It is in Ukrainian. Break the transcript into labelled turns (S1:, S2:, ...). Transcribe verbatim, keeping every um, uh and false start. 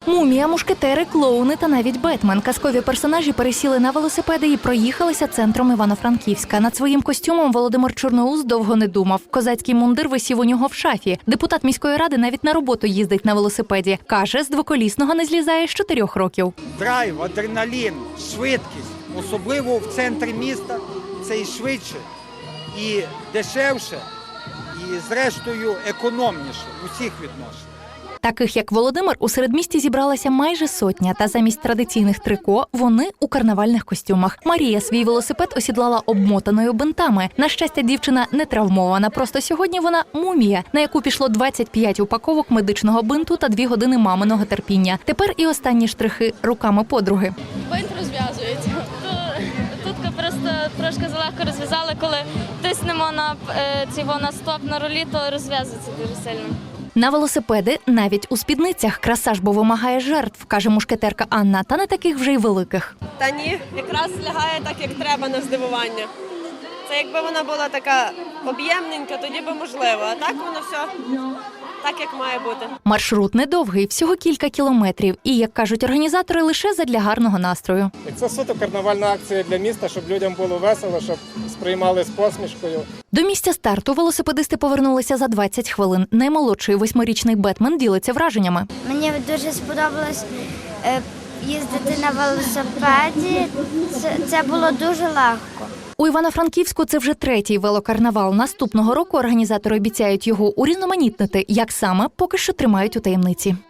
S1: Мумія, мушкетери, клоуни та навіть Бетмен. Казкові персонажі пересіли на велосипеди і проїхалися центром Івано-Франківська. Над своїм костюмом Володимир Чорноус довго не думав. Козацький мундир висів у нього в шафі. Депутат міської ради навіть на роботу їздить на велосипеді. Каже, з двоколісного не злізає з чотирьох років.
S2: Драйв, адреналін, швидкість, особливо в центрі міста, це і швидше, і дешевше, і зрештою економніше в усіх відношеннях.
S1: Таких, як Володимир, у середмісті зібралася майже сотня, та замість традиційних трико вони у карнавальних костюмах. Марія свій велосипед осідлала обмотаною бинтами. На щастя, дівчина не травмована, просто сьогодні вона мумія, на яку пішло двадцять п'ять упаковок медичного бинту та дві години маминого терпіння. Тепер і останні штрихи руками подруги.
S3: Бинт розв'язується. Тут просто трошки залегко розв'язали, коли тиснемо на цього на стоп на рулі, то розв'язується дуже сильно.
S1: На велосипеди навіть у спідницях. Краса ж бо вимагає жертв, каже мушкетерка Анна, та не таких вже й великих.
S4: Та ні, якраз лягає так, як треба, на здивування. Це якби вона була така об'ємненька, тоді би можливо, а так воно все так, як має бути.
S1: Маршрут недовгий, всього кілька кілометрів. І, як кажуть організатори, лише задля гарного настрою.
S5: Це суто карнавальна акція для міста, щоб людям було весело, щоб сприймали з посмішкою.
S1: До місця старту велосипедисти повернулися за двадцять хвилин. Наймолодший восьмирічний Бетмен ділиться враженнями.
S6: Мені дуже сподобалось е, їздити на велосипеді. Це, це було дуже легко.
S1: У Івано-Франківську це вже третій велокарнавал. Наступного року організатори обіцяють його урізноманітнити. Як саме, поки що тримають у таємниці.